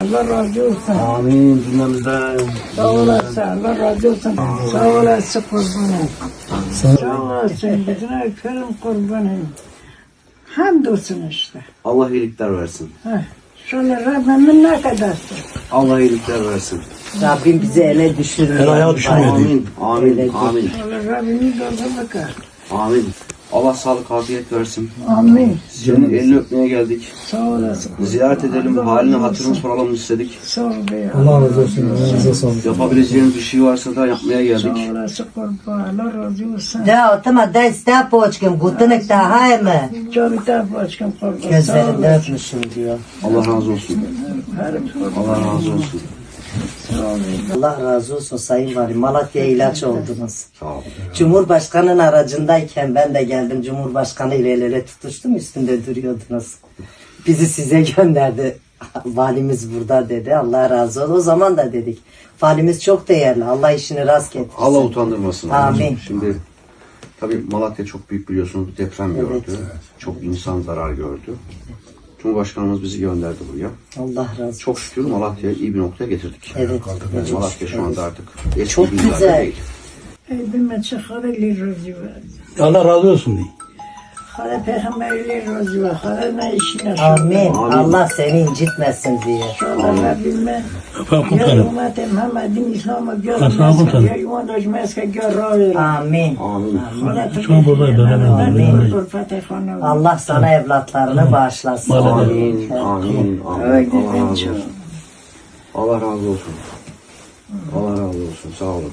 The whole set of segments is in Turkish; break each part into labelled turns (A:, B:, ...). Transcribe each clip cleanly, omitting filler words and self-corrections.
A: Allah razı olsun.
B: Amin cümlemizden.
A: Sağ olasın. Allah razı olsun. Sağ olasın kurbanım. Sağ olasın. Bütün öperim kurbanım. Hamdolsun işte.
B: Allah iyilikler versin.
A: Şöyle Rabbimin ne kadarsın.
B: Allah iyilikler versin.
C: Rabbim bizi ele düşürmüyor.
D: El ayağa düşürmüyor.
B: Amin. Amin. Amin.
A: Allah Rabbimi doldu bakar.
B: Amin. Allah sağlık afiyet versin.
A: Amin.
B: Senin elini öpmeye geldik.
A: Sağ olasın.
B: Ziyaret edelim,
A: Allah
B: halini
A: razı
B: hatırını
A: olsun.
B: soralım istedik.
A: Sağ ol be.
D: Allah razı olsun. Elinize sağlık.
B: Yapabileceğiniz bir şey varsa da yapmaya
A: Sağ
B: geldik.
A: olasın kurban. Allah razı olsun.
C: Da otama da iste poçkim. Guttunik da hayme.
A: Canı da başkan kurban. Sağ
C: Gözlerinde
A: olasın.
C: öpmüşüm diyor.
B: Allah razı olsun.
A: Harim kurban.
B: Allah razı olsun.
A: Sağ ol.
C: Allah razı olsun Sayın Valim. Malatya'ya ilaç oldunuz.
B: Sağ olun.
C: Cumhurbaşkanının aracındayken ben de geldim. Cumhurbaşkanı ile el ele tutuştum. Üstünde duruyordunuz. Bizi size gönderdi. Valimiz burada dedi. Allah razı olsun. O zaman da dedik. Valimiz çok değerli. Allah işini rast getirsin.
B: Allah utandırmasın.
C: Amin.
B: Şimdi tabii Malatya çok büyük biliyorsunuz bir deprem gördü.
C: Evet.
B: Çok insan zarar gördü. Cumhurbaşkanımız bizi gönderdi buraya.
C: Allah razı olsun.
B: Çok şükür Malatya'yı iyi bir noktaya getirdik.
C: Evet.
B: Yani Malatya şu anda artık eski
C: Çok
B: günlerde
C: güzel.
B: değil.
A: Ey bilmem çakarı razı var.
D: Allah razı olsun diye.
A: Hala peygamberler razı var. Hala ne işine
C: Amin.
B: Amin.
C: Allah seni incitmesin diye.
A: Şöyle Rabbime.
D: Efendim
A: Ya
D: kurtarın.
A: ümmeti Muhammed'in İslam'a
D: Aslan kurtarın.
A: görmezse, ya yuvandaşmazsa gör rağır.
C: Amin.
B: Amin.
D: Şu an buradayım,
C: Amin.
A: Amin.
C: Allah sana evlatlarını bağışlasın.
B: Amin. Amin. Amin.
A: Öyle
B: Allah razı
A: ben
B: olsun.
A: çok.
B: Allah razı olsun. Allah razı olsun. Sağ olun.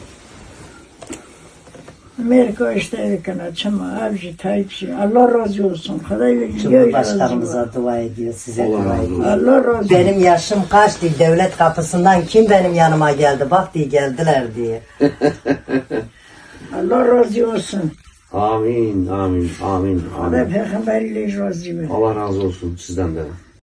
A: Amerika işte açma avcı Tayyip'si. Allah razı olsun. Kadayla
C: Cumhurbaşkanımıza dua ediyor, size
B: Allah
C: dua
B: razı
C: ediyor.
B: olsun.
A: Allah razı olsun.
C: Benim yaşım kaç diye devlet kapısından kim benim yanıma geldi bak diye geldiler diye.
A: Allah razı olsun.
B: Amin. Amin. Amin.
A: Hala
B: Amin.
A: peygamberler razı var.
B: Allah razı olsun sizden de.